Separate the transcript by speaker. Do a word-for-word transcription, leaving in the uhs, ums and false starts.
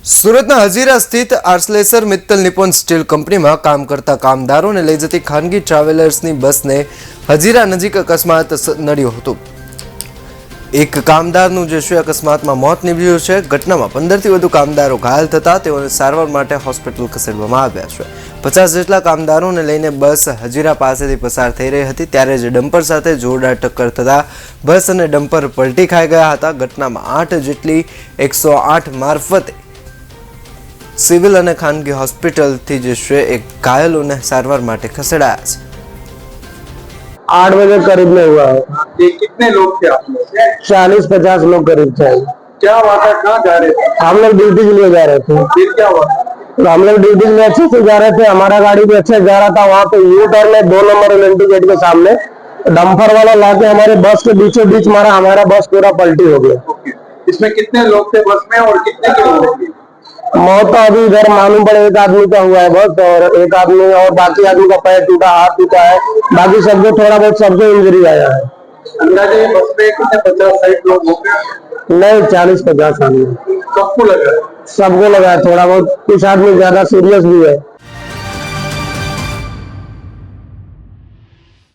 Speaker 1: સુરતના હજીરા સ્થિત આર્સલેસર મિત્તલ નિપોન સ્ટીલ કંપનીમાં કામ કરતા કામદારોને લઈ જતી ખાનગી ટ્રાવેલર્સની બસને હજીરા નજીક અકસ્માત નડ્યો હતો। એક કામદારનું જે છે અકસ્માતમાં મોત નીપજ્યું છે। ઘટનામાં પંદરથી વધુ કામદારો ઘાયલ થતા તેઓને સારવાર માટે હોસ્પિટલ ખસેડવામાં આવ્યા છે। પચાસ જેટલા કામદારોને લઈને બસ હજીરા પાસેથી પસાર થઈ રહી હતી ત્યારે જ ડમ્પર સાથે જોરદાર ટક્કર થતા બસ અને ડમ્પર પલટી ખાઈ ગયા હતા। ઘટનામાં આઠ જેટલી એકસો આઠ મારફતે सिविल और खानगी हॉस्पिटल थी जिससे एक घायलों ने सारवार माटे खसेड़ाया है।
Speaker 2: आठ बजे करीब में हुआ है।
Speaker 3: ये कितने लोग थे आप लोग?
Speaker 2: चालीस पचास लोग करीब थे।
Speaker 3: क्या हुआ था? कहाँ जा रहे थे?
Speaker 2: हम लोग ड्यूटी के लिए जा रहे थे।
Speaker 3: फिर क्या हुआ?
Speaker 2: तो हम लोग ड्यूटी के लिए अच्छे से जा रहे थे, हमारा गाड़ी भी अच्छे से जा रहा था। वहाँ पे यू टर्न में दो नंबर एलएनटी गेट के सामने डंपर वाला लाके हमारे बस के बीचों बीच मारा, हमारा बस पूरा पलटी हो गया।
Speaker 3: इसमें कितने लोग थे बस में और कितने की मौत हुई?
Speaker 2: मौत तो अभी इधर मालूम पड़े एक आदमी का हुआ है बस, और एक आदमी और बाकी आदमी का पैर टूटा, हाथ टूटा है। बाकी सबको थोड़ा बहुत सबको इंजरी आया है।
Speaker 3: अंदाजे बस में कितने पचास साठ लोग होंगे?
Speaker 2: नहीं, चालीस पचास आदमी
Speaker 3: सबको लगा?
Speaker 2: सबको लगा है। थोड़ा बहुत कुछ आदमी ज्यादा सीरियस भी है।